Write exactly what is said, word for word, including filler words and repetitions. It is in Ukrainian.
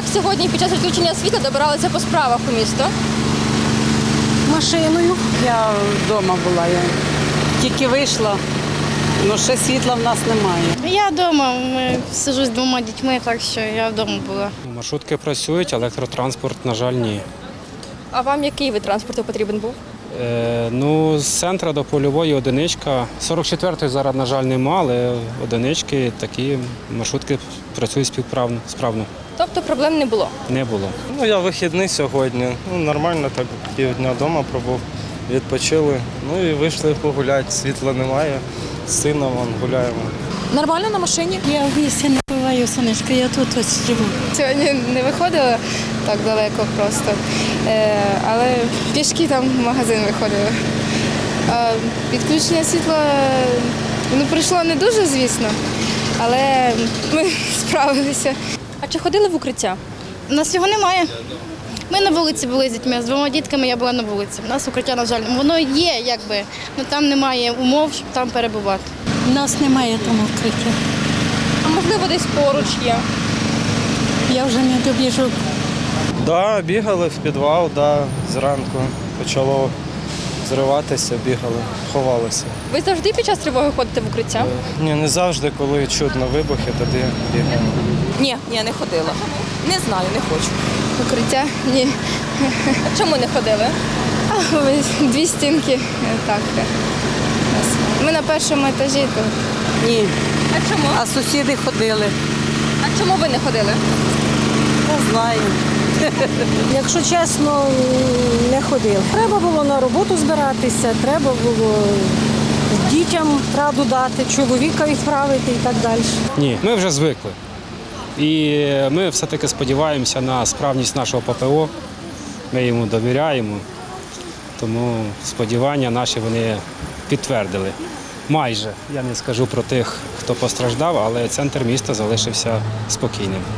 Як сьогодні під час відключення світла добиралися по справах у місто? Машиною. Я вдома була, я тільки вийшла, але ще світла в нас немає. Я вдома, ми сиджу з двома дітьми, так що я вдома була. Маршрутки працюють, електротранспорт, на жаль, ні. А вам який вид транспорту потрібен був? Е, ну, з центру до польової одиничка. сорок четвертої зараз, на жаль, нема, але одинички, такі маршрутки працюють співправно, справно. Тобто проблем не було? Не було. Ну, я вихідний сьогодні. Ну, нормально, так півдня вдома пробув, відпочили. Ну і вийшли погуляти, світла немає, з сином вон, гуляємо. Нормально на машині? Я в місті не буваю, сонечко, я тут ось живу. Сьогодні не виходила так далеко просто, е, але пішки там в магазин виходили. А відключення світла ну, прийшло не дуже, звісно, але ми справилися. А чи ходили в укриття? У нас його немає. Ми на вулиці були з дітьми, з двома дітками я була на вулиці. У нас укриття, на жаль, воно є, якби, але там немає умов, щоб там перебувати. У нас немає там укриття. А можливо, десь поруч є? Я вже не добіжу. Да, бігали в підвал, да, зранку почало зриватися, бігали, ховалися. Ви завжди під час тривоги ходите в укриття? Ні, не завжди, коли чутно вибухи, тоді бігаємо. Ні, ні, не ходила. Не знаю, не хочу. Укриття ні. А чому не ходили? А, ось дві стінки. Так. Ми на першому етажі, то Ні. А чому? А сусіди ходили. А чому ви не ходили? Не знаю. Якщо чесно, не ходив. Треба було на роботу збиратися, треба було дітям раду дати, чоловіка відправити і так далі. Ні, ми вже звикли. І ми все-таки сподіваємося на справність нашого ППО. Ми йому довіряємо, тому сподівання наші вони підтвердили. Майже. Я не скажу про тих, хто постраждав, але центр міста залишився спокійним.